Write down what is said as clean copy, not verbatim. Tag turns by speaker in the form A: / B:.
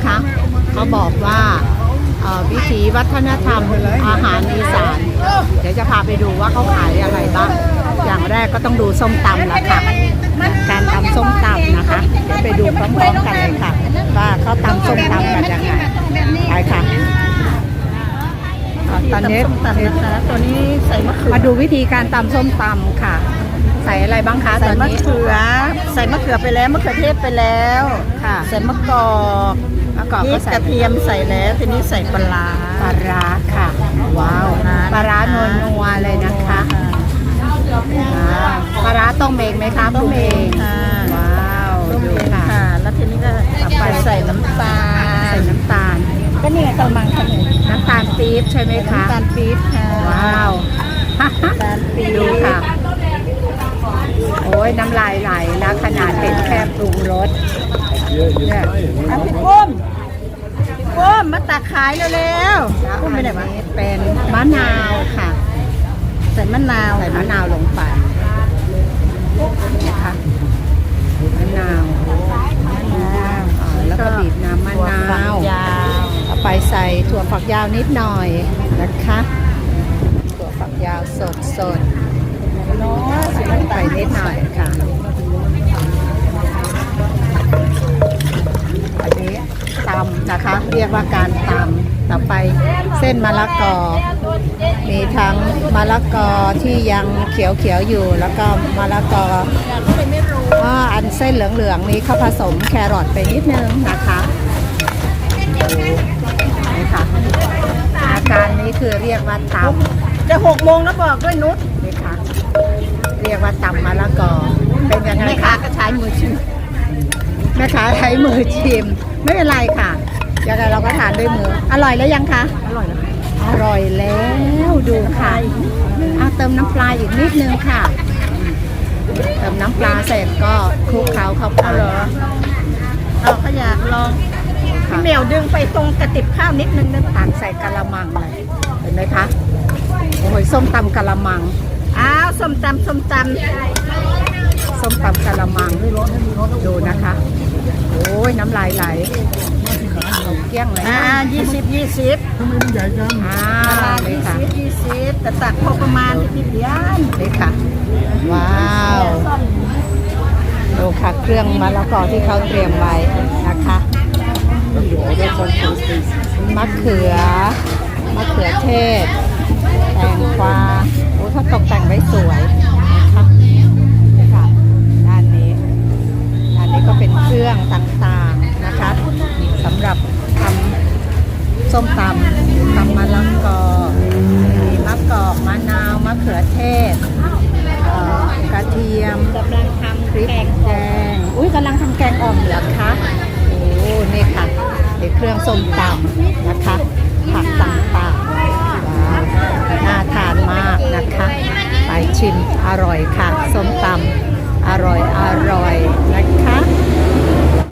A: นะคะเขาบอกว่าวิถีวัฒนธรรมอาหารอีสานเดี๋ยวจะพาไปดูว่าเขาขายอะไรบ้างอย่างแรกก็ต้องดูส้มตำละค่ะการตำส้มตำนะคะเดี๋ยวไปดูพร้อมๆกันเลยค่ะว่าเขาตำส้มตำกันยังไงไปค่ะตอนนี้ตัวนี้ใส่มะเขือมาดูวิธีการตำส้มตำค่ะใส่อะไรบ้างคะตอนนี้
B: ใส่มะเขือไปแล้วมะเขือเทศไปแล้ว
A: ค่ะ
B: ใส่มะกอกพริกกระเทียมใส่แล้วทีนี้ใส่ปลา
A: ค่ะว้าวปลาร้านัวๆเลยนะคะปลาร้าต้มเองไหมคะ
B: ต้มเองค่ะ
A: ว้าวดูค่ะ
B: แล้วทีนี้ก็ไปใส่น้ำตาลก็นี่กระมังขนม
A: น้ำตาลปี๊บใช่ไหมคะ
B: น้ำตาลปี๊บค่ะ
A: ว้าว
B: น้ำตาลปี๊บ
A: ดูค่ะโอ้ยน้ำลายไหลแล้วขนาดเป็นแค่ปรุงรส
B: เนี่ยพี่ปุ้มมาตักขายเร็วๆปุ้มไปไหนวะ
A: เป็นมะนาวค่ะ
B: ใส่มะนาว
A: ลงไปนะคะมะนาวแล้วก็บีบน้ำมะนาวเอาไปใส่ถั่วฝักยาวนิดหน่อยนะคะถั่วฝักยาวสดไปนิดหน่อยค่ะอันนี้ตำนะคะเรียกว่าการตำต่อไปเส้นมะละกอมีทั้งมะละกอที่ยังเขียวอยู่แล้วก็มะละกออันเส้นเหลืองๆนี้เขาผสมแครอทไปนิดนึงนะคะนี่ค่ะอาการนี้คือเรียกว่าตำ
B: จะ6 โมงแล้วบอกด้วยนุช
A: นี่ค่ะเรียกว่าตำมะละกอเป็นยังไง
B: แม่ค้าก็ใช้มือชิม
A: แม่ค้าใช้มือชิมไม่เป็นไรค่ะยังไงเราก็ทานด้วยมืออร่อยแล้วยังคะ
B: อร่อยแล้ว
A: อร่อยแล้วดูค่ะเอาเติมน้ำปลาอีกนิดนึงค่ะเติมน้ำปลาเสร็จก็คลุกเคล้าเข้าไป
B: เราก็อยากลองพี่เหมียวดึงไปตรงกระติบข้าวนิดนึงนะ
A: ตักใส่กะละมังเลยเห็นไหมคะโอ้ยส้มตำกะละมัง
B: ส้มตำ
A: กะละมังดูนะคะโอ้ยน้ำลายไหลเกี้ยงเลย
B: 20ทำไมมันใหญ่จัง20แต่ตักพอประมาณที่เดียน
A: เลยค่ะว้าวดูค่ะเครื่องมะละกอที่เขาเตรียมไว้นะคะมะเขือเทศแตงกวาโอ้เขาตกแต่งไว้สวยนะคะนี่ค่ะด้านนี้ก็เป็นเครื่องต่างๆนะคะสำหรับทำส้มตำมะละกอมีมะกอกมะนาวมะเขือเทศกระเทียม
B: กำลังทำ
A: พริกแกงกำลังทำแกงอ่อมเหรอคะโอ้นี่ค่ะเป็นเครื่องส้มตำนะคะผักต่างๆว้าวน่าทานมากนะคะไปชิมอร่อยค่ะส้มตำอร่อย